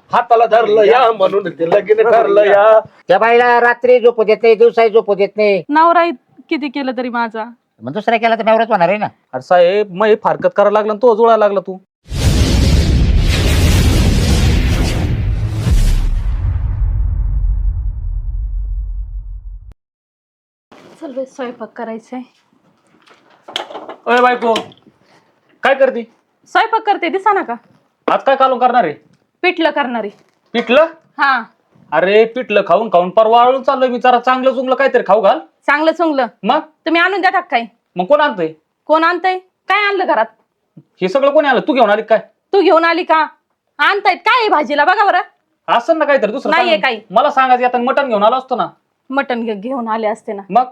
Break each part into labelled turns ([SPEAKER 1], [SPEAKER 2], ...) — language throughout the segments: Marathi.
[SPEAKER 1] हाताला धरलं या म्हणून ते लगीन ठरलं या.
[SPEAKER 2] त्या बाईला रात्री झोपू देत नाही, दिवसाही झोपू देत नाही.
[SPEAKER 3] नवरा किती केलं तरी माझा.
[SPEAKER 2] मग दुसरा केला तर नवराच होणार आहे ना.
[SPEAKER 4] अरे साहेब मग हे फारकत करायला लागला आणि तो जुळायला लागला तू.
[SPEAKER 3] चल बाई स्वयंपाक करायचंय.
[SPEAKER 4] अरे बायको काय करते?
[SPEAKER 3] स्वयंपाक करते दिसा ना का.
[SPEAKER 4] आज काय कालून करणार आहे?
[SPEAKER 3] पिठलं करणारी.
[SPEAKER 4] पिठलं?
[SPEAKER 3] हा
[SPEAKER 4] अरे पिठलं खाऊन खाऊन परवा वाळून चाललोय मी. जरा चांगलं चुंगलं काहीतरी खाऊ घाल.
[SPEAKER 3] चांगलं चुंगलं
[SPEAKER 4] मग
[SPEAKER 3] तुम्ही आणून द्या काय.
[SPEAKER 4] मग कोण आणतंय?
[SPEAKER 3] कोण आणतंय? काय आणलं घरात?
[SPEAKER 4] हे सगळं कोणी आलं? तू घेऊन आली काय?
[SPEAKER 3] तू घेऊन आली का? आणतायत काय आहे भाजीला बघा बरं.
[SPEAKER 4] असं ना काहीतरी दुसरं
[SPEAKER 3] नाहीये
[SPEAKER 4] सांग.
[SPEAKER 3] काही.
[SPEAKER 4] मला सांगायचं आता मटण घेऊन आलो असतो ना.
[SPEAKER 3] मटण घेऊन आले असते ना.
[SPEAKER 4] मग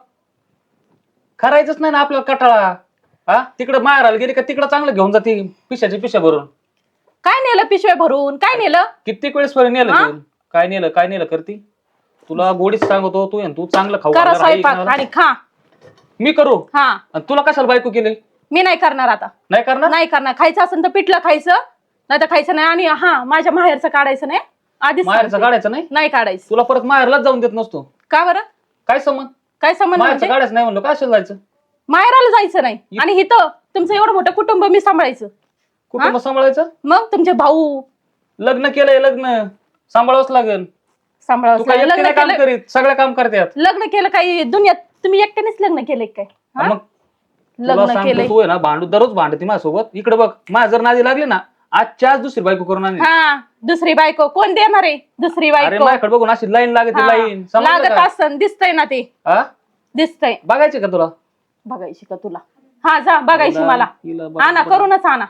[SPEAKER 4] करायचंच नाही ना आपल्याला कटाळा. हा तिकडे माहेराला गेली का तिकडे चांगलं घेऊन जाते पिशाची पिशा भरून.
[SPEAKER 3] काय नेलं पिशव्या भरून? काय नेलं?
[SPEAKER 4] कित्येक वेळेस नेलं
[SPEAKER 3] हा?
[SPEAKER 4] घेऊन. काय नेलं करती? तुला गोडीच सांगतो तू चांगलं खाऊ
[SPEAKER 3] करा
[SPEAKER 4] घालणार आहे
[SPEAKER 3] स्वयंपाक
[SPEAKER 4] इकडं.
[SPEAKER 3] आणि खा.
[SPEAKER 4] मी करू
[SPEAKER 3] हा
[SPEAKER 4] आणि तुला कशाला बायको केली?
[SPEAKER 3] मी नाही करणार आता.
[SPEAKER 4] नाही करणार?
[SPEAKER 3] नाही करणार. खायचं असेल तर पिठलं खायचं, नाही तर खायचं नाही. आणि हा माझ्या माहेरचं काढायचं नाही आधीच
[SPEAKER 4] माहेरचं
[SPEAKER 3] सांगते.
[SPEAKER 4] काढायचं नाही?
[SPEAKER 3] नाही काढायचं.
[SPEAKER 4] तुला परत माहेरलाच जाऊन देत नसतो.
[SPEAKER 3] का बरं?
[SPEAKER 4] काय संबंध?
[SPEAKER 3] काय संबंध
[SPEAKER 4] माहेरचं
[SPEAKER 3] म्हणजे?
[SPEAKER 4] काढायचं नाही म्हणलं का असेल जायचं?
[SPEAKER 3] माहेराला जायचं नाही आणि इथं तुमचं एवढं मोठं कुटुंब मी सांभाळायचं.
[SPEAKER 4] कुटुंब सांभाळायचं?
[SPEAKER 3] मग तुमचे भाऊ
[SPEAKER 4] लग्न केलंय, लग्न सांभाळावंच लागेल. तू
[SPEAKER 3] सांभाळावं.
[SPEAKER 4] काय
[SPEAKER 3] लग्न
[SPEAKER 4] एकटीने काम
[SPEAKER 3] केलं,
[SPEAKER 4] करीत सगळं काम करतात.
[SPEAKER 3] लग्न केलं काही दुनियात तुम्ही एकट्यानेच लग्न केलंय काय? हा?
[SPEAKER 4] मग तुला
[SPEAKER 3] लग्न
[SPEAKER 4] सांगतो
[SPEAKER 3] केलंय.
[SPEAKER 4] तू आहे ना भांडू दररोज भांडती माझ्यासोबत. इकडे बघ माझ्या जर नादी लागली ना आजच्या आज दुसरी बायको करून आणली.
[SPEAKER 3] हा दुसरी बायको कोण देणार आहे? दुसरी
[SPEAKER 4] अरे
[SPEAKER 3] बायको
[SPEAKER 4] माझ्याकडे बघून अशी लाईन लागते
[SPEAKER 3] हा.
[SPEAKER 4] लाईन.
[SPEAKER 3] लागत असं दिसतंय ना ते.
[SPEAKER 4] हा
[SPEAKER 3] दिसतंय.
[SPEAKER 4] बघायची का तुला?
[SPEAKER 3] बघायची का तुला? हा जा बघायची
[SPEAKER 4] हिला-
[SPEAKER 3] मला.
[SPEAKER 4] हिला बघ-
[SPEAKER 3] आणा करूनच आणा.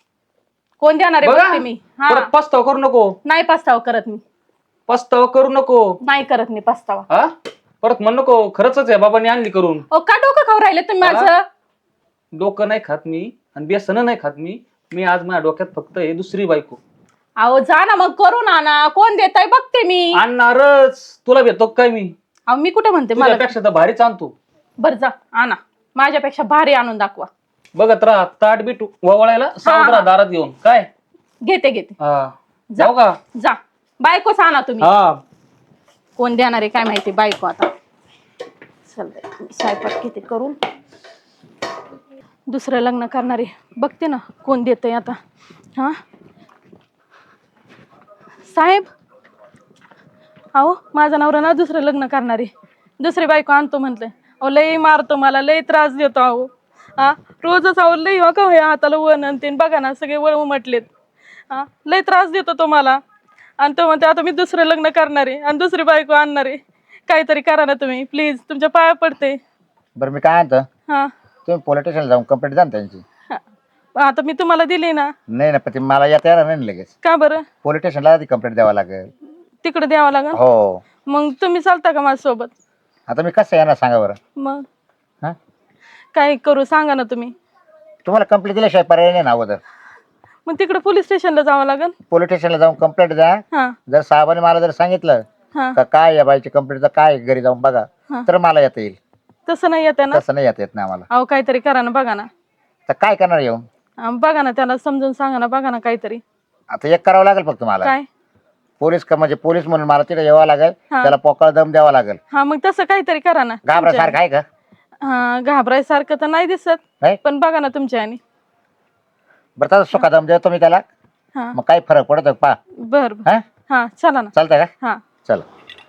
[SPEAKER 3] कोण देणार आहे
[SPEAKER 4] बघा
[SPEAKER 3] बघते मी. हा
[SPEAKER 4] परत पस्ताव करू नको.
[SPEAKER 3] नाही पस्तावा करत मी.
[SPEAKER 4] पस्ताव करू नको.
[SPEAKER 3] नाही करत मी पस्तावा.
[SPEAKER 4] हा परत म्हण नको खरंच आहे बाबांनी आणली करून.
[SPEAKER 3] ओ का डोकं खाऊ राहिले तुम्ही माझं?
[SPEAKER 4] डोकं नाही खात मी आणि बेसन नाही खात मी आज माझ्या डोक्यात फक्त हे दुसरी बायको.
[SPEAKER 3] अहो जा ना मग करून आणा. कोण देताय बघते मी.
[SPEAKER 4] आणणारच. तुला भेटतो काय मी?
[SPEAKER 3] अहो मी कुठे म्हणते मला.
[SPEAKER 4] तुझ्यापेक्षा तर भारीच आणतो.
[SPEAKER 3] बर जा आणा. माझ्यापेक्षा भारी आणून दाखवा.
[SPEAKER 4] बघत राहा ताट बीट वळायला सावध राहा दारात घेऊन. काय
[SPEAKER 3] घेते घेते.
[SPEAKER 4] हा जाऊ का?
[SPEAKER 3] जा बायकोच आणा तुम्ही.
[SPEAKER 4] हा
[SPEAKER 3] कोण देणार आहे काय माहिती बायको आता. चल बाई, स्वयंपाक किती करून दुसरं लग्न करणारे बघते ना कोण देतंय आता. हा साहेब अहो माझा नवरा ना दुसरं लग्न करणारे दुसरी बायको आणतो म्हटलंय. अहो लई मारतो मला लई त्रास देतो. अहो हा रोजच अहो लई हो का हाताला वन आणते बघा ना सगळे वळ उमटलेत. हा लई त्रास देतो तो मला. आणि तो म्हणते आता मी दुसरं लग्न करणार आहे आणि दुसरी बायको आणणार आहे. काहीतरी करा ना तुम्ही प्लीज तुमच्या पाया पडते.
[SPEAKER 2] बरं मी काय आणतो,
[SPEAKER 3] हा
[SPEAKER 2] तुम्ही पोलीस स्टेशनला जाऊन कंप्लेंट द्या ना त्यांची.
[SPEAKER 3] हा. आता मी तुम्हाला दिली ना.
[SPEAKER 2] नाही ना पण ते मला येता येणार नाही ना लगेच.
[SPEAKER 3] का बरं?
[SPEAKER 2] पोलीस स्टेशनला आधी कंप्लेंट द्यावं लागेल.
[SPEAKER 3] तिकडे द्यावं लागेल.
[SPEAKER 2] हो
[SPEAKER 3] मग तुम्ही चालता का माझ्यासोबत?
[SPEAKER 2] आता मी कसं येणार सांगा बरं.
[SPEAKER 3] मग
[SPEAKER 2] हा
[SPEAKER 3] काय करू सांगा ना तुम्ही.
[SPEAKER 2] तुम्हाला कंप्लेंट दिल्याशिवाय पर्याय नाही ना अगोदर.
[SPEAKER 3] मग तिकडे पोलीस स्टेशनला जावं लागेल.
[SPEAKER 2] पोलीस स्टेशनला जाऊन कंप्लेंट द्या.
[SPEAKER 3] हा
[SPEAKER 2] जर साहेबांनी मला जर सांगितलं
[SPEAKER 3] हा
[SPEAKER 2] का काय या बाईची कंप्लेंटचं काय घरी जाऊन बघा
[SPEAKER 3] हा.
[SPEAKER 2] तर मला येता येईल.
[SPEAKER 3] तसं नाही येते ना.
[SPEAKER 2] तसं नाही येत ना आम्हाला.
[SPEAKER 3] अहो काहीतरी करा ना बघा ना.
[SPEAKER 2] तर काय करणार येऊन?
[SPEAKER 3] बघा ना त्याला समजून सांगा ना बघा ना काहीतरी.
[SPEAKER 2] आता एक करावं लागेल फक्त मला.
[SPEAKER 3] काय?
[SPEAKER 2] पोलीस का म्हणजे पोलीस म्हणून मला तिथे यावं लागेल.
[SPEAKER 3] हा.
[SPEAKER 2] त्याला पोकळ दम द्यावा लागेल.
[SPEAKER 3] हा मग तसं काहीतरी करा ना.
[SPEAKER 2] घाबरासारखं आहे का?
[SPEAKER 3] हा घाबरायसारखं तर नाही दिसत
[SPEAKER 2] नाही?
[SPEAKER 3] पण बघा ना तुमच्या आणि.
[SPEAKER 2] बरं तसं सुखा दम देतो मी त्याला.
[SPEAKER 3] हा
[SPEAKER 2] मग काय फरक पडतो पा?
[SPEAKER 3] बर बर.
[SPEAKER 2] हा
[SPEAKER 3] हा चला ना.
[SPEAKER 2] चालतंय का?
[SPEAKER 3] हा
[SPEAKER 2] चला.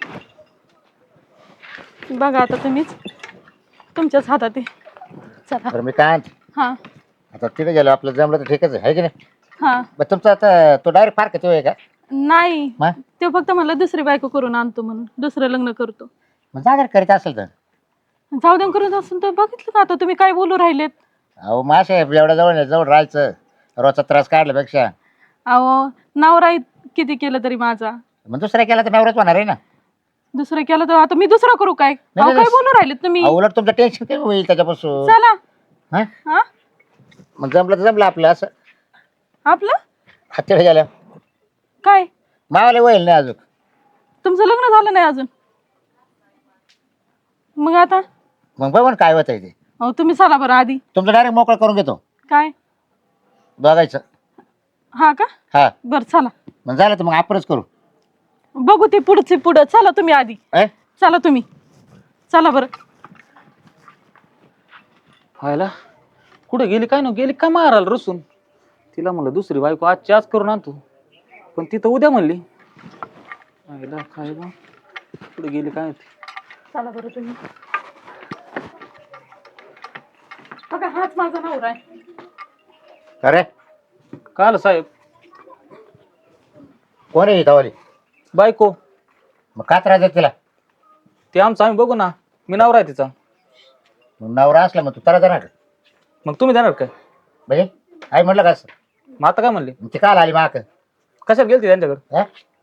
[SPEAKER 3] बघा आता तुम्हीच तुमच्याच हातात आहे. चला.
[SPEAKER 2] बरं मी काय आणतो?
[SPEAKER 3] हा
[SPEAKER 2] आता तिथे गेलो आपलं जमलं तर ठीकच आहे की नाही?
[SPEAKER 3] हा
[SPEAKER 2] बरं तुमचा आता तो डायरेक्ट फार किती आहे का?
[SPEAKER 3] नाही
[SPEAKER 2] मग
[SPEAKER 3] ते फक्त मला दुसरी बायको करून आणतो म्हणून दुसरं लग्न करतो.
[SPEAKER 2] मग जा जर करीत असेल तर.
[SPEAKER 3] जाऊ दे करून असून तर बघितलं का आता तुम्ही काय बोलू राहिलेत.
[SPEAKER 2] अहो मासे एवढ्या जवळ राहायचं रोजचा त्रास काढल्यापेक्षा.
[SPEAKER 3] अहो नवरा किती केलं तरी माझा.
[SPEAKER 2] मग दुसऱ्या केला तर नवराच होणार आहे ना.
[SPEAKER 3] दुसरं केलं तर आता मी दुसरं करू काय? अहो, काय बोलू राहिलेत तुम्ही.
[SPEAKER 2] अहो, उलट तुमचं टेन्शन कमी होईल त्याच्यापासून.
[SPEAKER 3] चला.
[SPEAKER 2] हा
[SPEAKER 3] हा
[SPEAKER 2] मग जमलं तर जमलं आपलं असं.
[SPEAKER 3] आपलं
[SPEAKER 2] हत्तीला गेलं
[SPEAKER 3] काय?
[SPEAKER 2] मावाला होईल नाही अजून.
[SPEAKER 3] तुमचं लग्न झालं नाही अजून. मग आता
[SPEAKER 2] मग बघ काय होत आहे ते.
[SPEAKER 3] अहो तुम्ही चला बरं आधी.
[SPEAKER 2] तुमचं डायरेक्ट मोकळं करून घेतो
[SPEAKER 3] काय
[SPEAKER 2] बघायचं.
[SPEAKER 3] हा का
[SPEAKER 2] हा
[SPEAKER 3] बर चला
[SPEAKER 2] मग झालं तर मग आपणच करू.
[SPEAKER 3] बघू ते पुढं चला तुम्ही आधी चला तुम्ही चला बरं.
[SPEAKER 4] व्हायला कुठे गेली काय ना गेली काय मारायला रसून. तिला म्हणलं दुसरी बायको आजची आज करून आणतो पण ती तर उद्या म्हणली. व्हायला काय बा कुठे गेली काय माहिती.
[SPEAKER 3] चला बरं तुम्ही. बघा हाच माझा नवरा आहे.
[SPEAKER 2] अरे
[SPEAKER 4] काय आलं साहेब.
[SPEAKER 2] कोण आहे तवाली?
[SPEAKER 4] बायको
[SPEAKER 2] मग का त्रास देत तिला?
[SPEAKER 4] ते आमचं आम्ही बघू ना. मी नवरा आहे तिचा.
[SPEAKER 2] मग नवरा असला मग तू त्रास देणार का?
[SPEAKER 4] मग तुम्ही देणार काय?
[SPEAKER 2] म्हणजे आई म्हटलं का असं?
[SPEAKER 4] मग आता काय म्हणली?
[SPEAKER 2] ती काल आली माक?
[SPEAKER 4] कशाला गेलती त्यांच्याकडे?
[SPEAKER 2] हा?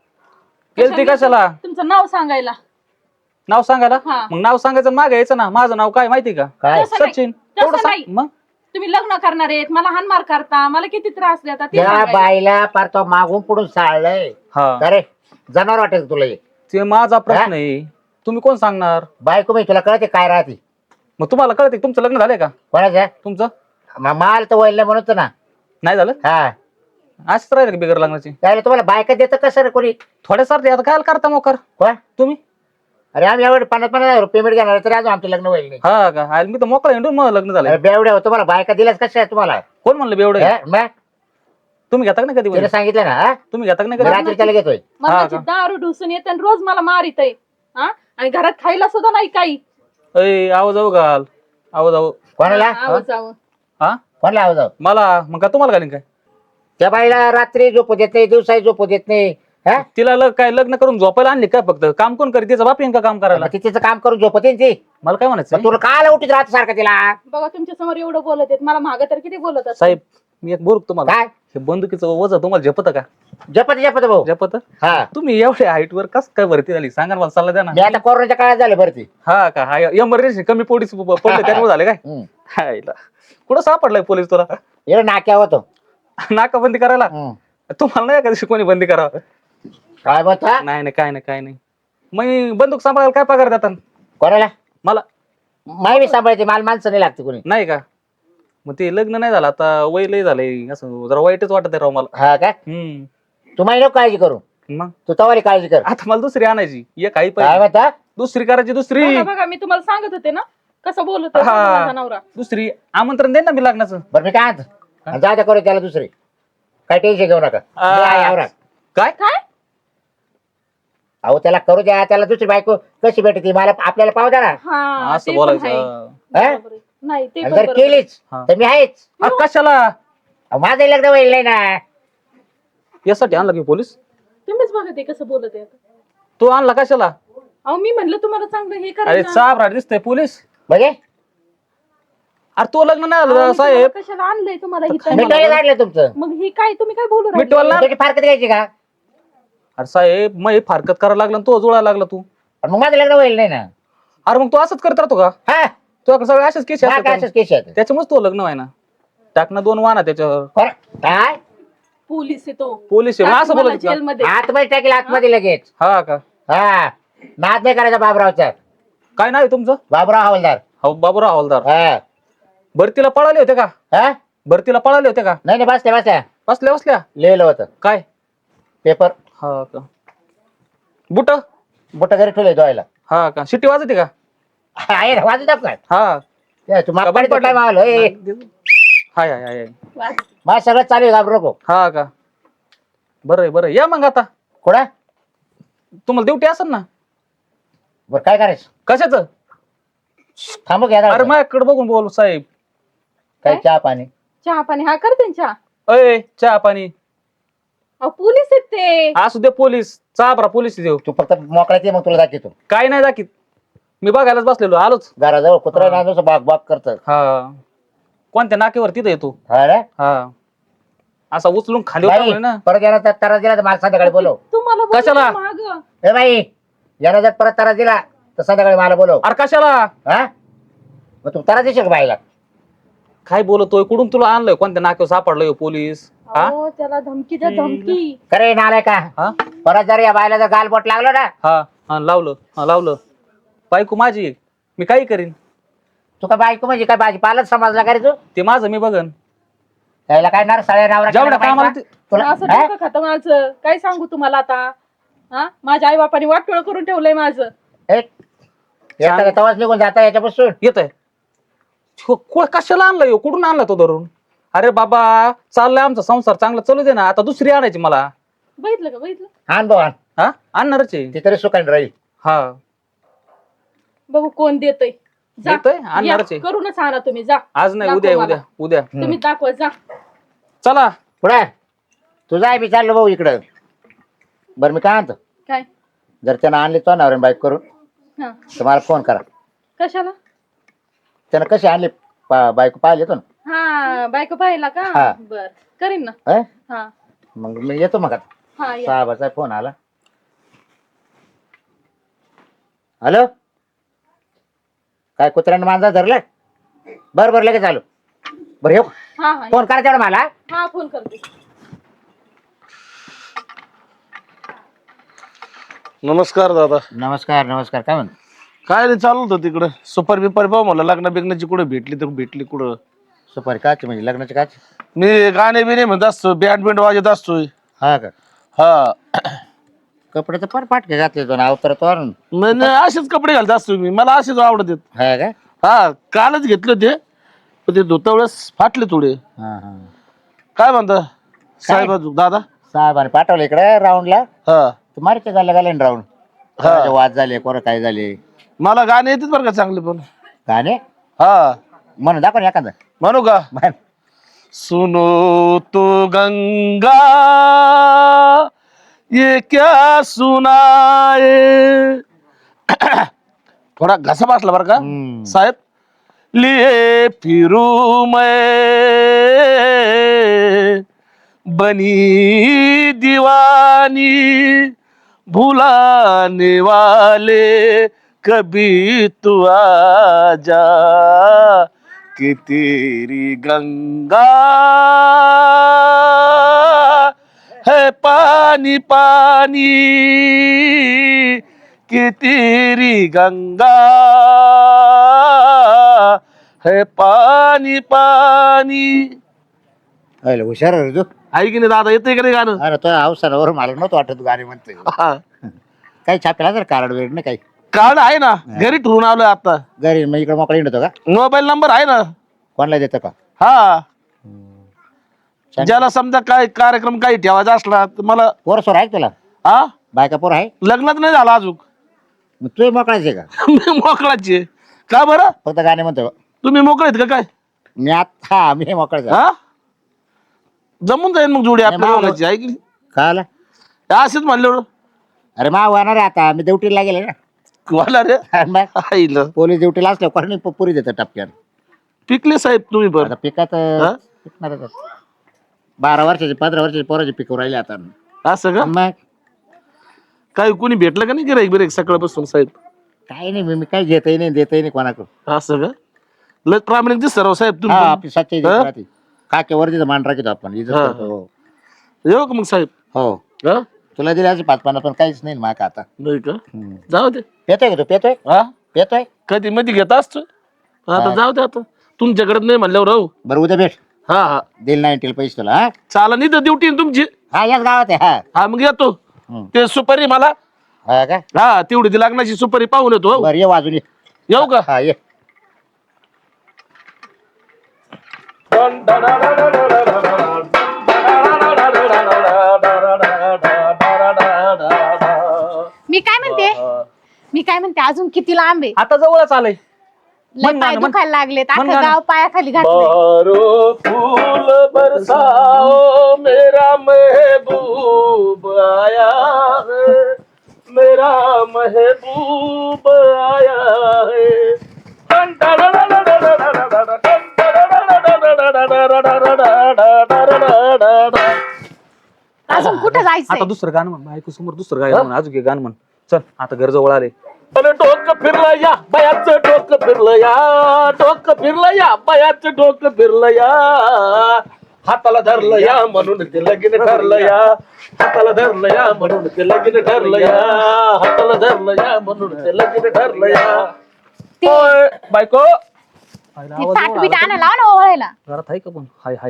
[SPEAKER 4] गेलती कशाला?
[SPEAKER 3] तुमचं नाव सांगायला.
[SPEAKER 4] नाव सांगायला?
[SPEAKER 3] हा.
[SPEAKER 4] मग नाव सांगायचं मागे यायचं ना. माझं नाव काय माहिती का?
[SPEAKER 2] काय?
[SPEAKER 3] तसं नाही.
[SPEAKER 4] सचिन.
[SPEAKER 3] तसं
[SPEAKER 4] तेवढं सांग.
[SPEAKER 3] नाही.
[SPEAKER 4] मग
[SPEAKER 3] तुम्ही लग्न करणार आहेत मला हानमार करता मला किती त्रास देता ते
[SPEAKER 2] त्या
[SPEAKER 3] सांगायला.
[SPEAKER 2] बाईला पार तो मागून पुढून साळलंय.
[SPEAKER 4] हा
[SPEAKER 2] अरे जनावर वाटेल का तुला हे?
[SPEAKER 4] ते माझा प्रश्न आहे. तुम्ही कोण सांगणार?
[SPEAKER 2] बायको मी तुला कळते काय राहते?
[SPEAKER 4] मग तुम्हाला कळते तुमचं लग्न झालंय का?
[SPEAKER 2] कोणाचं?
[SPEAKER 4] तुमचं
[SPEAKER 2] माल तर वळलं म्हणत ना.
[SPEAKER 4] नाही झालं?
[SPEAKER 2] हा
[SPEAKER 4] असंच राहिलं का बिगर लग्नाची?
[SPEAKER 2] त्याला तुम्हाला बायका देतं कसं रे कोणी?
[SPEAKER 4] थोड्यासारखे आता काय करता मोकर
[SPEAKER 2] कोण?
[SPEAKER 4] तुम्ही?
[SPEAKER 2] अरे आम्ही एवढे 50,000 पेमेंट घेणार तरी अजून आमचं लग्न होईल नाही.
[SPEAKER 4] हा का? अरे मी तर मोकळा हिंडून मग लग्न झालंय.
[SPEAKER 2] अरे बेवड्या हो, तुम्हाला बायका दिल्यास कशा आहे तुम्हाला?
[SPEAKER 4] कोण म्हणलं बेवढं?
[SPEAKER 2] हा? मग
[SPEAKER 4] तुम्ही घेता का नाही कधी
[SPEAKER 2] तिने
[SPEAKER 4] वडील?
[SPEAKER 2] सांगितलं ना हा?
[SPEAKER 4] तुम्ही घेता का नाही
[SPEAKER 2] मी
[SPEAKER 4] कधी?
[SPEAKER 2] रात्री त्याला घेतोय.
[SPEAKER 3] मरणाची
[SPEAKER 4] का?
[SPEAKER 3] दारू ढुसून येते आणि रोज मला मारित आहे. हा आणि घरात खायला सुद्धा नाही काही.
[SPEAKER 4] अय आवाज जाऊ घाल. आवाज जाऊ.
[SPEAKER 2] कोणाला?
[SPEAKER 3] आवाज जावं.
[SPEAKER 4] हा
[SPEAKER 2] कोणाला आवाज?
[SPEAKER 4] मला मग का तुम्हाला घालीन काय?
[SPEAKER 2] त्या बाईला रात्री झोपू देत नाही दिवसाही झोपू देत नाही. हा?
[SPEAKER 4] तिला काय लग्न करून झोपायला आणली काय? फक्त काम कोण करीत? तिचा बाप येईन का काम करायला?
[SPEAKER 2] मग ती तिचं काम करून झोपते ना ती.
[SPEAKER 4] मला काय म्हणायचं?
[SPEAKER 2] मग तुला काल उठीत राहत सारखं तिला?
[SPEAKER 3] बघा तुमच्या समोर एवढं बोलत आहेत मला मागं तर किती बोलत असतात.
[SPEAKER 4] साहेब मी एक बोलू तुम्हाला.
[SPEAKER 2] काय
[SPEAKER 4] हे बंदुकीचं वजन तुम्हाला झेपत का?
[SPEAKER 2] जपत भाऊ?
[SPEAKER 4] झेपत?
[SPEAKER 2] हा
[SPEAKER 4] तुम्ही एवढ्या हाईट वर कस काय भरती झाली सांगा ना मला सल्ला द्या ना.
[SPEAKER 2] मी आता कोरोनाच्या काळात झाले भरती.
[SPEAKER 4] हा का? हा एमर्जन्सी कमी पोलीस पडले त्यामुळे झाले काय?
[SPEAKER 2] हम्म.
[SPEAKER 4] हायला. कुठं सापडलाय पोलीस तुला?
[SPEAKER 2] एवढं नाक्या होतो.
[SPEAKER 4] नाकाबंदी करायला?
[SPEAKER 2] हम्म.
[SPEAKER 4] तुम्हाला नाही कधी कोणी बंदी करावं?
[SPEAKER 2] काय बता?
[SPEAKER 4] नाही नाही काय नाही काय नाही. मग बंदूक सांभाळायला काय पगार देतात
[SPEAKER 2] कोणाला?
[SPEAKER 4] मला?
[SPEAKER 2] माय सांभाळते मला माणसं नाही लागते कोणी.
[SPEAKER 4] नाही का? मग ते लग्न नाही झालं आता वय लय झालंय असं जरा वाईटच वाटत आहे राव मला.
[SPEAKER 2] हा का? तू माही नको काळजी करू.
[SPEAKER 4] मग
[SPEAKER 2] तू तवाली काळजी कर.
[SPEAKER 4] आता मला दुसरी आणायची. एक आई
[SPEAKER 2] काय
[SPEAKER 4] पाहिजे.
[SPEAKER 2] बता?
[SPEAKER 4] दुसरी करायची. दुसरी
[SPEAKER 3] बघा बघा मी तुम्हाला सांगत होते ना कसं बोलत होता
[SPEAKER 4] हा.
[SPEAKER 3] माझा नवरा.
[SPEAKER 4] दुसरी आमंत्रण दे ना मी लग्नाचं.
[SPEAKER 2] बरं मी काय आणतो जा करू त्याला दुसरी. काय टेन्शन घेऊ नका. मी आहे आवरा.
[SPEAKER 4] काय?
[SPEAKER 3] काय
[SPEAKER 2] अहो त्याला करू द्या. त्याला दुसरी बायको कशी भेटते मला आपल्याला पाहू द्या ना.
[SPEAKER 3] हा
[SPEAKER 4] असं
[SPEAKER 3] ते पण आहे.
[SPEAKER 4] बोलायचं?
[SPEAKER 2] हा?
[SPEAKER 3] बरोबर आहे. नाही ते
[SPEAKER 2] आणि
[SPEAKER 3] पण
[SPEAKER 2] जर
[SPEAKER 3] बरोबर आहे.
[SPEAKER 2] केलीच
[SPEAKER 4] हा.
[SPEAKER 2] तर मी आहेच.
[SPEAKER 4] अरे कशाला?
[SPEAKER 2] अहो, माझं लग्न होईल नाही ना.
[SPEAKER 4] यासाठी आणला की पोलीस?
[SPEAKER 3] तुम्हीच बघा ते कसं बोलत आहे आता.
[SPEAKER 4] तू आणला कशाला?
[SPEAKER 3] अहो मी म्हणलं तुम्हाला चांगलं हे
[SPEAKER 4] अरे
[SPEAKER 3] करायचं.
[SPEAKER 4] चाप दिसतंय पोलीस.
[SPEAKER 2] म्हणजे
[SPEAKER 4] अरे तो लग्न नाही
[SPEAKER 3] अहो,
[SPEAKER 4] झालं
[SPEAKER 3] मी
[SPEAKER 4] साहेब.
[SPEAKER 3] तुम्हाला कशाला आणलंय तुम्हाला इथं?
[SPEAKER 2] मिठाई काढलं तुमचं.
[SPEAKER 3] मग ही काय तुम्ही काय बोलू राहिले?
[SPEAKER 4] मिटवायला?
[SPEAKER 2] त्याची फारकत घ्यायची का?
[SPEAKER 4] अरे साहेब मग हे फारकत करायला लागला आणि तो जुळायला लागला तू.
[SPEAKER 2] आणि मग माझं लग्न होईल नाही ना.
[SPEAKER 4] अरे मग तू असंच करत राहतो का?
[SPEAKER 2] हा
[SPEAKER 4] तुझ्याकडे सगळे असेच केस
[SPEAKER 2] हा, काय असंच केस आहेत.
[SPEAKER 4] त्याच्यामुळेच तो लग्न व्हाय ना. टाकणं 2 वाना त्याच्यावर.
[SPEAKER 2] बरं. काय
[SPEAKER 3] पोलीस येतो
[SPEAKER 4] पोलीस आहे. मग असं बोलत का?
[SPEAKER 3] जेलमध्ये.
[SPEAKER 2] आतमध्ये टाकेल आतमध्ये लगेच.
[SPEAKER 4] हा का?
[SPEAKER 2] हा नाद नाही करायचा बाबरावचा.
[SPEAKER 4] काय नाही तुमचं?
[SPEAKER 2] बाबराव हवालदार.
[SPEAKER 4] हो बाबूराव हवालदार.
[SPEAKER 2] हा
[SPEAKER 4] भरतीला पळाले होते का?
[SPEAKER 2] हा
[SPEAKER 4] भरतीला पळाले होते का?
[SPEAKER 2] नाही नाही बसल्या बसल्या
[SPEAKER 4] बसल्या बसल्या
[SPEAKER 2] लिहिलं होतं
[SPEAKER 4] काय?
[SPEAKER 2] पेपर.
[SPEAKER 4] हा का? बुट?
[SPEAKER 2] बोट घरी ठेवलंय धुवायला.
[SPEAKER 4] हा का? शिट्टी वाजते का?
[SPEAKER 2] आहे ना वाजू दाब काय
[SPEAKER 4] हा
[SPEAKER 2] तू मागं काय मावलं
[SPEAKER 4] हाय हाय हाय.
[SPEAKER 2] मला सगळं चालू आहे घाबरू नको.
[SPEAKER 4] हा का? बरं आहे बरं आहे. या मग आता.
[SPEAKER 2] कोणा
[SPEAKER 4] तुम्हाला ड्युटी असेल ना?
[SPEAKER 2] बरं काय करायचं?
[SPEAKER 4] कशाचं?
[SPEAKER 2] थांबू घ्या
[SPEAKER 4] अरे माझ्याकडे बघून बोल साहेब.
[SPEAKER 2] काय चहा पाणी?
[SPEAKER 3] चहा पाणी हा करते चहा.
[SPEAKER 4] अय चहा पाणी.
[SPEAKER 3] अहो पोलीस आहेत ते.
[SPEAKER 4] असू दे पोलीस. चाबरा पोलीस देऊ.
[SPEAKER 2] तू फक्त मोकळ्यात ये मग तुला दाखवतो.
[SPEAKER 4] काय नाही दाखीत. मी बघायलाच बसलेलो आलोच.
[SPEAKER 2] घराजवळ कुत्रा ना जसं बाग बाग करत.
[SPEAKER 4] हा कोणत्या नाकेवर तिथं येतो.
[SPEAKER 2] हा रे
[SPEAKER 4] हा असा उचलून खाली
[SPEAKER 2] बाई,
[SPEAKER 4] उतरवलं ना.
[SPEAKER 2] परत येणार त्रास दिला तर मला संध्याकाळी बोलव.
[SPEAKER 3] तुम्हाला बोलले
[SPEAKER 4] कशाला?
[SPEAKER 3] मागं.
[SPEAKER 2] ए बाई यानं जर परत त्रास दिला तर संध्याकाळी मला बोलव.
[SPEAKER 4] अरे कशाला?
[SPEAKER 2] हा मग तू त्रास देशील का बाईला?
[SPEAKER 4] काय बोलतोय? कुठून तुला आणलंय? कोणत्या नाक्यावर सापडलंय पोलीस? हा
[SPEAKER 3] अहो त्याला धमकी द्या धमकी.
[SPEAKER 2] खरे नालाय का?
[SPEAKER 4] हा
[SPEAKER 2] परत जर या बाईला जर गालबोट लागलं ना
[SPEAKER 4] हा हा लावलं. हा लावलं. बायको माझी आहे. मी काही करीन.
[SPEAKER 2] तू काय बायको म्हणजे काय भाजीपालाच समजला का रे तू?
[SPEAKER 4] ते माझं मी बघन.
[SPEAKER 2] त्याला काय नार साड्या नावरा
[SPEAKER 4] जेवढ्या
[SPEAKER 2] केला
[SPEAKER 4] कामाला
[SPEAKER 2] बायका? तुला
[SPEAKER 3] असं
[SPEAKER 2] हा?
[SPEAKER 3] डोकं खातं माझं. काय सांगू तुम्हाला आता? हा, माझ्या आई बापाने वाटोळ करून ठेवलंय माझं.
[SPEAKER 2] येता तवाच निघून जाता याच्यापासून.
[SPEAKER 4] येत आहे कशाला आणलाय ह्यो? कुठून आणला तो धरून? अरे बाबा चाललाय आमचा संसार चांगला चालू दे ना, आता दुसरी आणायची मला.
[SPEAKER 3] बघितलं का? बघितलं?
[SPEAKER 2] आण भाऊ आण.
[SPEAKER 4] हा आणणारच आहे.
[SPEAKER 2] ती तरी सुखाने राहील.
[SPEAKER 4] हा
[SPEAKER 3] बघू कोण देतय. जा.
[SPEAKER 4] देतोय, आणणारच
[SPEAKER 3] या,
[SPEAKER 4] आहे.
[SPEAKER 3] करूनच आणा तुम्ही. जा.
[SPEAKER 4] आज नाही,
[SPEAKER 3] दाखव
[SPEAKER 4] उद्या
[SPEAKER 3] मला.
[SPEAKER 4] उद्या उद्या.
[SPEAKER 3] तुम्ही दाखवा. जा.
[SPEAKER 4] चला
[SPEAKER 2] पुढे तुझा आहे मी चाललो भाऊ इकडं. बरं मी काय म्हणतो,
[SPEAKER 3] काय?
[SPEAKER 2] जर त्यानं आणली तो ना बाईक करून
[SPEAKER 3] हा,
[SPEAKER 2] तर मला फोन करा.
[SPEAKER 3] कशाला?
[SPEAKER 2] त्यानं कशी आणली बायको पाहिली येतो ना.
[SPEAKER 3] हा, बायको पाहिला का?
[SPEAKER 2] हा.
[SPEAKER 3] बर, करीन ना.
[SPEAKER 2] हं?
[SPEAKER 3] हा
[SPEAKER 2] मग मी येतो मग आता.
[SPEAKER 3] हा, या.
[SPEAKER 2] साहेबाचा फोन आला. हॅलो, काय कुत्र्यानं मांजा धरलं? बरं बरं लगेच आलो. बरं येऊ.
[SPEAKER 3] हा हा,
[SPEAKER 2] फोन करा तेवढं मला.
[SPEAKER 3] हा, फोन करते.
[SPEAKER 1] नमस्कार दादा.
[SPEAKER 2] नमस्कार नमस्कार. काय म्हणतो?
[SPEAKER 1] काय नाही चालू होतं तिकडं सुपारी बिपारी पाहू मला लग्न बिग्नाची कुठं भेटली तर भेटली कुठं.
[SPEAKER 2] सुपारी काची म्हणजे लग्नाची काची?
[SPEAKER 1] मी गाणे बिणे म्हणत असतो बँड बिंड वाजत असतोय.
[SPEAKER 2] हा का?
[SPEAKER 1] हा
[SPEAKER 2] कपडे तर फार पाटके घातले तो ना अवतरतो.
[SPEAKER 1] नाही असेच कपडे घालत असतो मी, मला असेच आवडत आहेत.
[SPEAKER 2] हा का?
[SPEAKER 1] हा कालच घेतले होते पण ते धुता वेळेस फाटले थोडे.
[SPEAKER 2] हा हा.
[SPEAKER 1] काय म्हणता साहेब दादा?
[SPEAKER 2] साहेबाने पाठवलं इकडे राऊंडला.
[SPEAKER 1] हा
[SPEAKER 2] तू मारते गायला राऊंड.
[SPEAKER 1] हा.
[SPEAKER 2] वाद झाले कोण काय झाले.
[SPEAKER 1] मला गाणे येतात बरं का चांगले पण.
[SPEAKER 2] गाणे
[SPEAKER 1] हा
[SPEAKER 2] म्हणून दाखव ना एखादं.
[SPEAKER 1] म्हणू का?
[SPEAKER 2] म्हण.
[SPEAKER 1] सुनो तो गंगा ये क्या सुनाए. थोडा घसा बसला बरं का
[SPEAKER 2] हम्म.
[SPEAKER 1] साहेब. लिए फिरू मैं बनी दीवानी भुलाने वाले कभी तू आजा कि तेरी गंगा है पानी पानी कि तेरी गंगा है पानी पानी.
[SPEAKER 2] अरे हुशार आहे रे तू.
[SPEAKER 1] आहे की नाही दादा? येते का नाही गाणं?
[SPEAKER 2] अरे तो अवसरावर मला नव्हतं वाटत गाणे म्हणतोय.
[SPEAKER 1] हा.
[SPEAKER 2] काही छापेला जर कार्ड वेळ नाही काही.
[SPEAKER 1] कार्ड आहे ना घरी ठेवून आलोय आता.
[SPEAKER 2] घरी मग इकडे मोकळा येतो का?
[SPEAKER 1] मोबाईल नंबर आहे ना.
[SPEAKER 2] कोणाला देतं का?
[SPEAKER 1] हा
[SPEAKER 2] छान.
[SPEAKER 1] ज्याला समजा काय कार्यक्रम काही ठेवायचा असला तर मला.
[SPEAKER 2] पोर सोर आहे का तुला?
[SPEAKER 1] हा
[SPEAKER 2] बायका पोर आहे?
[SPEAKER 1] लग्नात नाही झाला अजून.
[SPEAKER 2] मग तू मोकळाच आहे का?
[SPEAKER 1] मी मोकळाची आहे. का बरं?
[SPEAKER 2] फक्त गाणे म्हणतो
[SPEAKER 1] तुम्ही मोकळे आहेत का काय?
[SPEAKER 2] मी हा मी मोकळाच आहे.
[SPEAKER 1] हा जमून जाईल मग जोडी आपल्या
[SPEAKER 2] नाही,
[SPEAKER 1] दोघांची आहे की नाही?
[SPEAKER 2] का आला?
[SPEAKER 1] असेच म्हणलं
[SPEAKER 2] अरे मा होणार आहे आता. मी ड्युटीला गेले ना.
[SPEAKER 1] वाला रे.
[SPEAKER 2] आणि मग
[SPEAKER 1] आईलं.
[SPEAKER 2] पोलीस ड्युटीला असल्या कोणी पुरी देतं टपक्यान.
[SPEAKER 1] पिकले साहेब तुम्ही बरं.
[SPEAKER 2] आता पिकात
[SPEAKER 1] हा?
[SPEAKER 2] पिकणारच आहे. 12 वर्षाची 15 वर्षाची पोराची पिकू राहिले आता.
[SPEAKER 1] असं का?
[SPEAKER 2] मग
[SPEAKER 1] काही कोणी भेटलं का नाही गिराईक बिराईक सकाळपासून साहेब?
[SPEAKER 2] काही नाही मी काही घेतही नाही देतही नाही कोणाकडून.
[SPEAKER 1] असं का? लय प्रामाणिक दिसत राव साहेब
[SPEAKER 2] हा
[SPEAKER 1] तुम्ही.
[SPEAKER 2] आपली सच्चाई
[SPEAKER 1] हा?
[SPEAKER 2] राहते. काकेवर तिथं मान राखतो आपण इज्जत
[SPEAKER 1] हा.
[SPEAKER 2] करतो. हो.
[SPEAKER 1] येऊ का मग साहेब?
[SPEAKER 2] हो
[SPEAKER 1] हा
[SPEAKER 2] तुला दिले असे 5-50 पण काहीच नाही माक आता.
[SPEAKER 1] नाही का? जाऊ दे.
[SPEAKER 2] पेतोय का तू? पेतोय
[SPEAKER 1] हा
[SPEAKER 2] पेतोय.
[SPEAKER 1] कधी मध्ये घेत असतो. आता
[SPEAKER 2] हा.
[SPEAKER 1] जाऊ दे आता. तुमच्याकडे नाही म्हणल्यावर राहू.
[SPEAKER 2] बरं उद्या भेट.
[SPEAKER 1] हा हा
[SPEAKER 2] दिल नाही टेल पैसे तुला. हा
[SPEAKER 1] चाला नाही तर ड्युटी तुमची.
[SPEAKER 2] हा याच गावात आहे. हा
[SPEAKER 1] हा मग येतो.
[SPEAKER 2] हम्म.
[SPEAKER 1] ते सुपारी मला.
[SPEAKER 2] हा का?
[SPEAKER 1] हा तेवढी ती लग्नाची सुपारी पाहून येतो. हो.
[SPEAKER 2] बरं ये वाजून ये.
[SPEAKER 1] येऊ का?
[SPEAKER 2] हा ये.
[SPEAKER 5] मी काय म्हणते अजून किती लांब आहे?
[SPEAKER 4] आता जवळच आलंय.
[SPEAKER 5] लय
[SPEAKER 4] म्हण
[SPEAKER 5] पाय
[SPEAKER 4] गाणं, म्हण.
[SPEAKER 5] दुखायला लागलेत.
[SPEAKER 4] म्हण
[SPEAKER 5] अख्खं
[SPEAKER 4] गाणं.
[SPEAKER 5] गाव पायाखाली घातलंय.
[SPEAKER 1] बारो फूल बरसाओ मेरा महबूब आया है मेरा महबूब आया है.
[SPEAKER 5] अजून कुठं जायचंय?
[SPEAKER 4] आता दुसरं गाणं म्हण. बायको समोर दुसरं गाणं म्हण. अजून एक गाणं म्हण. चल आता घर जवळ आले.
[SPEAKER 1] अरे डोकं फिरलं या बयाचं डोकं फिरलं या डोकं फिरलं या बयाचं डोकं फिरलं या हाताला धरलं या म्हणून ते लगीन ठरलं या हाताला धरलं या म्हणून ते लगीन ठरलं या हाताला धरलं या म्हणून ते लगीन ठरलं या.
[SPEAKER 5] ते
[SPEAKER 1] ओय, बायको
[SPEAKER 5] ताट बीट आणा लाव ना ओवाळायला.
[SPEAKER 4] घरात आहे का पण? Hi hi.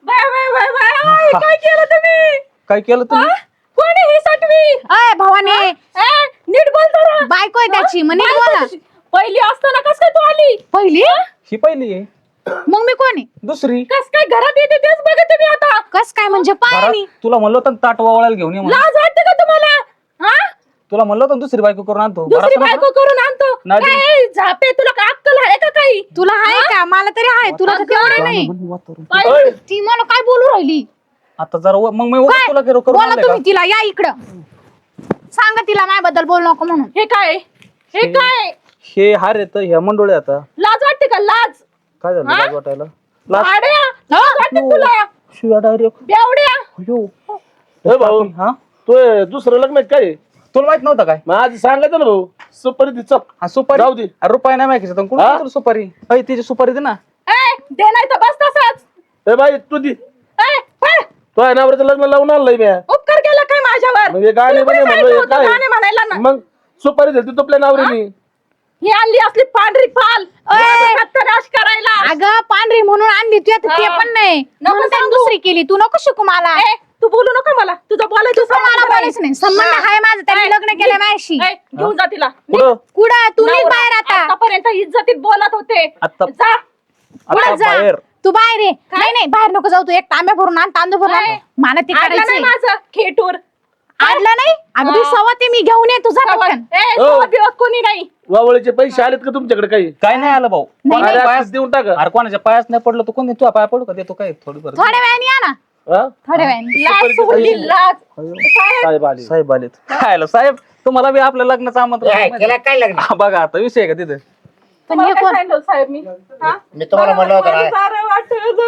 [SPEAKER 3] Bye bye bye bye काय केलं तुम्ही
[SPEAKER 4] काय केलं तुम्ही
[SPEAKER 3] कोणी ही सटवी
[SPEAKER 5] अय भवानी
[SPEAKER 3] नीट बोल जरा.
[SPEAKER 5] बायको आहे त्याची मग नीट बोला
[SPEAKER 3] पहिली असताना कस काय तू आली
[SPEAKER 5] पहिली
[SPEAKER 4] ही पहिली आहे
[SPEAKER 5] मग मी कोणी
[SPEAKER 4] दुसरी
[SPEAKER 3] कस काय घरात येते तेच बघते मी आता
[SPEAKER 5] कस काय म्हणजे पायानी
[SPEAKER 4] घरात तुला म्हणलं होतं ना ताट वावळायला घेऊन ये म्हणून.
[SPEAKER 3] लाज वाटते का तुम्हाला हा
[SPEAKER 4] तुला म्हणलं होतं ना दुसरी बायको करून आणतो
[SPEAKER 3] दुसरी
[SPEAKER 4] घरात
[SPEAKER 3] बायको करून आणतो
[SPEAKER 4] नाही.
[SPEAKER 3] काय झापे तुला का अक्कल आहे का काही
[SPEAKER 5] तुला आहे का मला तरी आहे तुला तर तेवढे नाही
[SPEAKER 3] काय?
[SPEAKER 5] ती मला काय बोलू राहिली
[SPEAKER 4] आता जरा मग मी
[SPEAKER 5] काय
[SPEAKER 4] तुला करून
[SPEAKER 5] बोला
[SPEAKER 4] आणलंय का?
[SPEAKER 5] तुम्ही तिला या इकडं सांगा तिला माझ्याबद्दल बोलू नको म्हणून
[SPEAKER 3] हे काय हे काय
[SPEAKER 4] हे हार येत ह्या मंडोळे आता
[SPEAKER 3] लाज वाटते का लाज
[SPEAKER 4] काय झालं
[SPEAKER 3] हा?
[SPEAKER 4] लाज वाटायला लाज
[SPEAKER 3] भाड्या लाज वाटते तुला
[SPEAKER 4] शिव्या डायरेक्ट
[SPEAKER 3] बेवड्या
[SPEAKER 1] ए भाऊ
[SPEAKER 4] हा
[SPEAKER 1] तू दुसरं लग्न आहे काय
[SPEAKER 4] तुला माहित नव्हतं काय
[SPEAKER 1] मग आज सांगायचं ना भाऊ सुपारी दे चल
[SPEAKER 4] हा सुपारी
[SPEAKER 1] जाऊ दे.
[SPEAKER 4] अरे रुपये नाही माहिती कोण
[SPEAKER 1] हा?
[SPEAKER 4] तुला सुपारी अय तिची सुपारी दे ना
[SPEAKER 3] ए दे नाही तर बस तसाच
[SPEAKER 1] ए बाई तू दे
[SPEAKER 3] ए पळ.
[SPEAKER 1] तो आहे नवऱ्याचं लग्न लावून आणलंय मी
[SPEAKER 3] उपकार केला काय माझ्यावर
[SPEAKER 1] म्हणजे गाणे
[SPEAKER 3] तुला कोणी
[SPEAKER 1] म्हणे
[SPEAKER 3] सांगितलं
[SPEAKER 1] म्हणलं
[SPEAKER 3] होतं
[SPEAKER 1] काय?
[SPEAKER 3] गाणे म्हणायला ना
[SPEAKER 1] मग सुपारी दिली तुपल्या नवऱ्यानी
[SPEAKER 3] ही आणली असली पांढरी पाल सत्यानाश करायला
[SPEAKER 5] अगं पांढरी म्हणून आणली तू आता ते
[SPEAKER 3] हा.
[SPEAKER 5] पण नाही
[SPEAKER 3] नको
[SPEAKER 5] म्हणून त्याने
[SPEAKER 3] सांगू.
[SPEAKER 5] दुसरी केली तू नको शिकू मला
[SPEAKER 3] ए, तू बोलू नको मला तुझं बोलायचं
[SPEAKER 5] तुझं मला
[SPEAKER 3] संबंध
[SPEAKER 5] बोलायचं नाही संबंध
[SPEAKER 3] हा.
[SPEAKER 5] आहे माझं त्याने
[SPEAKER 3] ए,
[SPEAKER 5] लग्न केलं माझ्याशी
[SPEAKER 3] ए, घेऊन जा तिला
[SPEAKER 4] कुठं
[SPEAKER 5] कुठं तू निघ
[SPEAKER 3] नवरा
[SPEAKER 5] बाहेर आता
[SPEAKER 3] आतापर्यंत इज्जतीत बोलत होते
[SPEAKER 4] आता-
[SPEAKER 3] जा
[SPEAKER 4] आता
[SPEAKER 5] कुठं जा
[SPEAKER 4] बाहेर
[SPEAKER 5] तू बाहेर ये नाही नाही बाहेर नको जाऊ तू एक तांब्या भरून आण तांदूळ भरून आण.
[SPEAKER 3] काय?
[SPEAKER 5] मला ते
[SPEAKER 3] आणलं नाही
[SPEAKER 5] करायचं
[SPEAKER 3] माझं खेटूर
[SPEAKER 5] आणलं नाही अगं तू
[SPEAKER 3] हा.
[SPEAKER 5] सवत आहे मी घेऊन ये तुझा पटकन
[SPEAKER 1] हो.
[SPEAKER 3] कोणी नाही
[SPEAKER 1] वावळीचे पैसे आलेत का तुमच्याकडे काही
[SPEAKER 4] काय नाही आलं भाऊ
[SPEAKER 5] नाही,
[SPEAKER 1] अरे
[SPEAKER 4] पायास
[SPEAKER 1] असंच देऊन टाका
[SPEAKER 4] अरे कोणाच्या पायास नाही पडलं तू कोण तुझ्या पाया पडू का देतो काय थोडी बरं
[SPEAKER 5] थोड्या वेळाने या ना
[SPEAKER 1] हा?
[SPEAKER 5] थोड्या वेळाने
[SPEAKER 3] लाज सोडली लाज साहेब,
[SPEAKER 1] साहेब आले
[SPEAKER 4] साहेब आलेत खायला साहेब तुम्हाला बी आपल्या लग्नाचं आमंत्रण आहे माहिती
[SPEAKER 2] केलं काय लग्न
[SPEAKER 4] आहे? हा, बघा आता विषय आहे का तिथे
[SPEAKER 5] पण
[SPEAKER 3] तुम्हाला
[SPEAKER 5] हे
[SPEAKER 3] काय
[SPEAKER 5] कोण
[SPEAKER 3] सांगितलं साहेब मी हा?
[SPEAKER 2] मी तुम्हाला म्हणलं होतं
[SPEAKER 3] मला
[SPEAKER 2] ना
[SPEAKER 3] सारं वाटलं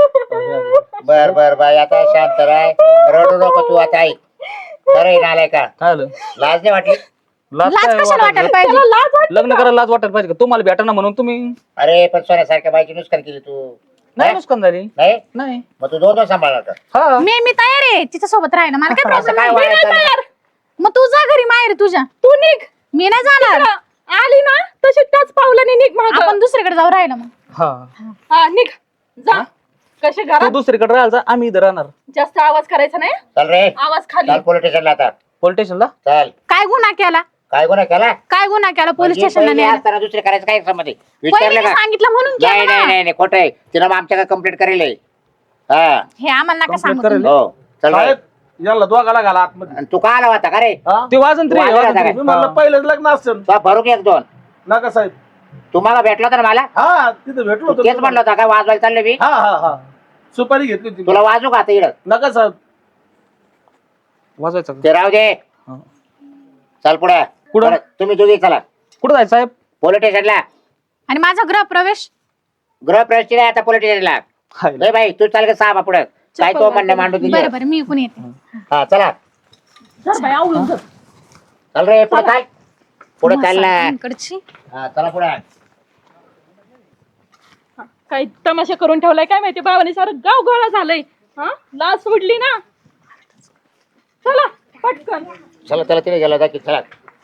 [SPEAKER 3] झालं
[SPEAKER 2] बर बर बाई आता शांत राय रडू नको तू आता ऐक खरं नालाय का
[SPEAKER 4] काय आलं
[SPEAKER 2] लाज नाही वाटली
[SPEAKER 4] लाज
[SPEAKER 5] लाज
[SPEAKER 4] काय
[SPEAKER 5] कशाला
[SPEAKER 4] वाटायला?
[SPEAKER 5] वाटायला पाहिजे
[SPEAKER 3] त्याला लाज वाटते
[SPEAKER 4] लग्न करायला लाज वाटायला पाहिजे का तुम्हाला भेटा ना म्हणून तुम्ही
[SPEAKER 2] अरे पण सोन्यासारख्या बाईची नुकसान केली तू
[SPEAKER 4] नाही नुकसान झाली
[SPEAKER 2] नाही
[SPEAKER 4] नाही
[SPEAKER 2] मग तू दोन सांभाळला का
[SPEAKER 4] हा
[SPEAKER 5] मी तयार आहे तिच्या सोबत राहायला मला काय
[SPEAKER 2] असं
[SPEAKER 5] प्रॉब्लेम
[SPEAKER 2] काय
[SPEAKER 5] नाही
[SPEAKER 2] वाया
[SPEAKER 3] मी नाही
[SPEAKER 2] चाललं?
[SPEAKER 3] तयार.
[SPEAKER 5] मग तू जा घरी माहेर तुझ्या
[SPEAKER 3] तू निघ
[SPEAKER 5] मी नाही जाणार
[SPEAKER 3] तिकडं आली ना तशी त्याच पावलाने निघ मागं.
[SPEAKER 5] आपण दुसरीकडे जाऊ राहिलं मग
[SPEAKER 4] हा
[SPEAKER 3] हा निघ जा कसे
[SPEAKER 4] तू
[SPEAKER 3] घरात
[SPEAKER 4] दुसरीकडे राहायचा आम्ही इथं राहणार
[SPEAKER 3] जास्त आवाज करायचा नाही
[SPEAKER 2] चल रे
[SPEAKER 3] आवाज खाली
[SPEAKER 2] चल पोलीस स्टेशनला आता
[SPEAKER 4] पोलीस स्टेशनला
[SPEAKER 2] चल
[SPEAKER 5] काय गुन्हा केला
[SPEAKER 2] काय गुन्हा केला
[SPEAKER 5] काय गुन्हा केला पोलीस
[SPEAKER 2] म्हणजे
[SPEAKER 5] स्टेशनला
[SPEAKER 2] पहिले
[SPEAKER 5] न्यायला
[SPEAKER 2] असताना दुसरे करायचं काय संबंध आहे?
[SPEAKER 5] पहिले
[SPEAKER 2] विचारलं
[SPEAKER 5] मी
[SPEAKER 2] का
[SPEAKER 5] सांगितलं म्हणून
[SPEAKER 2] नाही
[SPEAKER 5] केलं
[SPEAKER 2] नाही
[SPEAKER 5] ना.
[SPEAKER 2] नाही नाही, खोटं आहे तिला मग आमच्या कंप्लेंट करेल आहे. हा
[SPEAKER 5] हे आम्हाला नका
[SPEAKER 4] Complaint
[SPEAKER 5] सांगू
[SPEAKER 4] करेल.
[SPEAKER 5] तुम्ही.
[SPEAKER 2] हो चल रे.
[SPEAKER 1] साहेब यांना दोघाला घाला आतमध्ये
[SPEAKER 2] आणि तू का आला होता का रे
[SPEAKER 1] हा?
[SPEAKER 4] ते वाजन तरी
[SPEAKER 2] वाजन
[SPEAKER 4] वाजन
[SPEAKER 2] आता
[SPEAKER 4] तरी.
[SPEAKER 1] मी म्हणलं पहिलंच लग्न असेल
[SPEAKER 2] तू भरून एक दोन
[SPEAKER 1] नका साहेब
[SPEAKER 2] तू मला भेटला होता ना मला
[SPEAKER 1] हा तिथे भेटलो
[SPEAKER 2] तू तेच म्हणलं
[SPEAKER 1] होतो
[SPEAKER 2] होता काय वाजवायला चाललं मी
[SPEAKER 1] हा हा हा सुपारी घेतली होती
[SPEAKER 2] तुला वाजू का आता इकडं
[SPEAKER 1] नका साहेब
[SPEAKER 4] वाजवायचं का?
[SPEAKER 2] ते राहू दे
[SPEAKER 4] हा.
[SPEAKER 2] चल पुढे
[SPEAKER 4] पुढं?
[SPEAKER 2] परत तुम्ही दोघी चला
[SPEAKER 4] कुठं जायचं साहेब
[SPEAKER 2] पोलीस स्टेशनला
[SPEAKER 5] आणि माझा गृहप्रवेश
[SPEAKER 2] गृहप्रवेश नाही आता पोलीस स्टेशनला
[SPEAKER 4] हाय.
[SPEAKER 2] नाही बाई तू चाल का साहेब पुढे काय तो म्हणणं मांडू दिली
[SPEAKER 5] बरं बरं मी इकून येते
[SPEAKER 2] हा चला
[SPEAKER 3] धर बाई, आवळून धर.
[SPEAKER 2] चल रे पुढे चाल पुढे चाल ना
[SPEAKER 5] इकडची
[SPEAKER 2] हा चला पुढे
[SPEAKER 3] हा, काही तमाशा करून ठेवलाय काय माहिती बाबाने सारं गाव गोळा झालंय हा लाज सोडली ना चला पटकन
[SPEAKER 2] चला चला तिने गेला जा की चला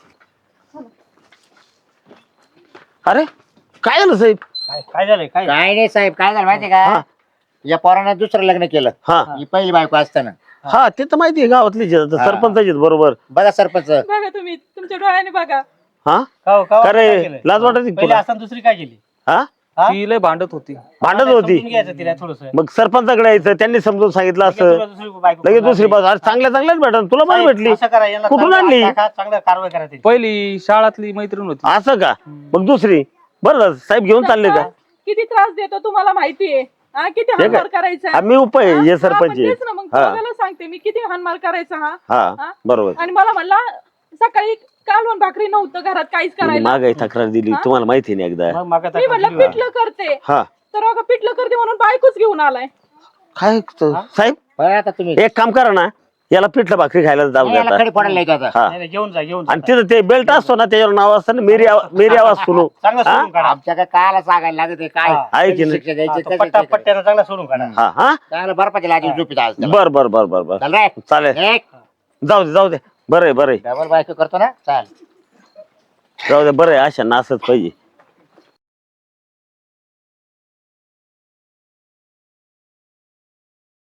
[SPEAKER 1] अरे काय झालं साहेब
[SPEAKER 6] काय झालंय काय
[SPEAKER 2] काय नाही साहेब काय झालं माहितीये का या पोरानं दुसरं लग्न केलं
[SPEAKER 1] हा
[SPEAKER 2] ही पहिली बायको असताना
[SPEAKER 1] हा ते तर माहिती आहे गावातली सरपंचाची बरोबर
[SPEAKER 2] बघा सरपंच
[SPEAKER 3] बघा तुम्ही तुमच्या डोळ्याने बघा
[SPEAKER 1] हा
[SPEAKER 6] का
[SPEAKER 1] अरे लाज वाटत नाही
[SPEAKER 6] पहिले
[SPEAKER 1] तुला
[SPEAKER 6] असताना दुसरी काय केली
[SPEAKER 1] हा
[SPEAKER 6] हा?
[SPEAKER 4] ती लय भांडत होती
[SPEAKER 1] भांडत होती
[SPEAKER 6] समजून घ्यायचं तिला थोडस
[SPEAKER 1] मग सरपंचाकडे यायचं त्यांनी समजून सांगितलं असं लगेच दुसरी बाजू अरे चांगल्या चांगल्याच भेटल तुला पण भेटली कुठून आणली
[SPEAKER 6] चांगलं कारवाई करा त्याची.
[SPEAKER 4] पहिली शाळातली मैत्रीण होती
[SPEAKER 1] असं का मग दुसरी बरं झालं, साहेब घेऊन चालले का
[SPEAKER 3] किती त्रास देतो तुम्हाला माहितीये हा किती
[SPEAKER 1] हे
[SPEAKER 3] हानमार
[SPEAKER 1] काय?
[SPEAKER 3] करायचा
[SPEAKER 1] आम्ही उपाय
[SPEAKER 3] हा?
[SPEAKER 1] हे
[SPEAKER 3] हा,
[SPEAKER 1] सरपंच
[SPEAKER 3] पण तेच ना, मग
[SPEAKER 1] हा
[SPEAKER 3] तुम्हाला सांगते मी किती हानमार करायचा हा
[SPEAKER 1] हा
[SPEAKER 3] हा?
[SPEAKER 1] बरोबर
[SPEAKER 3] आणि मला म्हणला सकाळी कालवण भाकरी नव्हतं घरात काहीच करायला
[SPEAKER 1] मागाई तक्रार दिली तुम्हाला माहिती नाही एकदा
[SPEAKER 6] मग मागं
[SPEAKER 3] मी म्हटलं
[SPEAKER 6] तक्रार
[SPEAKER 3] पिठलं करते
[SPEAKER 1] हा
[SPEAKER 3] तर अगं पिठलं करते म्हणून बायकोच घेऊन आलाय
[SPEAKER 1] काय साहेब
[SPEAKER 2] बघा आता तुम्ही
[SPEAKER 1] एक काम करा ना याला पिठलं भाकरी खायला जाऊ
[SPEAKER 2] नाही, याला
[SPEAKER 1] द्या
[SPEAKER 2] खडी फोडायला येतो आता
[SPEAKER 1] हा
[SPEAKER 6] नाही, नाही, घेऊन जा घेऊन जा.
[SPEAKER 1] आणि तिथं ते बेल्ट असतो ना त्याच्यावर नाव असतं ना मेरी आवाज सुनो
[SPEAKER 6] चांगलं
[SPEAKER 1] हा?
[SPEAKER 6] सोडून काढा
[SPEAKER 2] आमच्या काय कायला सांगायला लागत आहे काय
[SPEAKER 6] हा.
[SPEAKER 1] आहे की
[SPEAKER 2] कशी
[SPEAKER 1] नाही?
[SPEAKER 2] शिक्षा द्यायची,
[SPEAKER 6] हा,
[SPEAKER 2] कशी
[SPEAKER 6] तो
[SPEAKER 2] शिक्षा
[SPEAKER 6] पट्ट्यानं चांगला सोडून काढा
[SPEAKER 1] हा हा
[SPEAKER 2] चांगलं बर्फाची लाजी झोपीत आज त्याला.
[SPEAKER 1] बर बर बर बर बर
[SPEAKER 2] चल रे
[SPEAKER 1] चालेल
[SPEAKER 2] एक
[SPEAKER 1] जाऊ दे बरं आहे
[SPEAKER 2] डबल बायको करतो ना चाल
[SPEAKER 1] जाऊ दे बरं आहे अशा ना असंच पाहिजे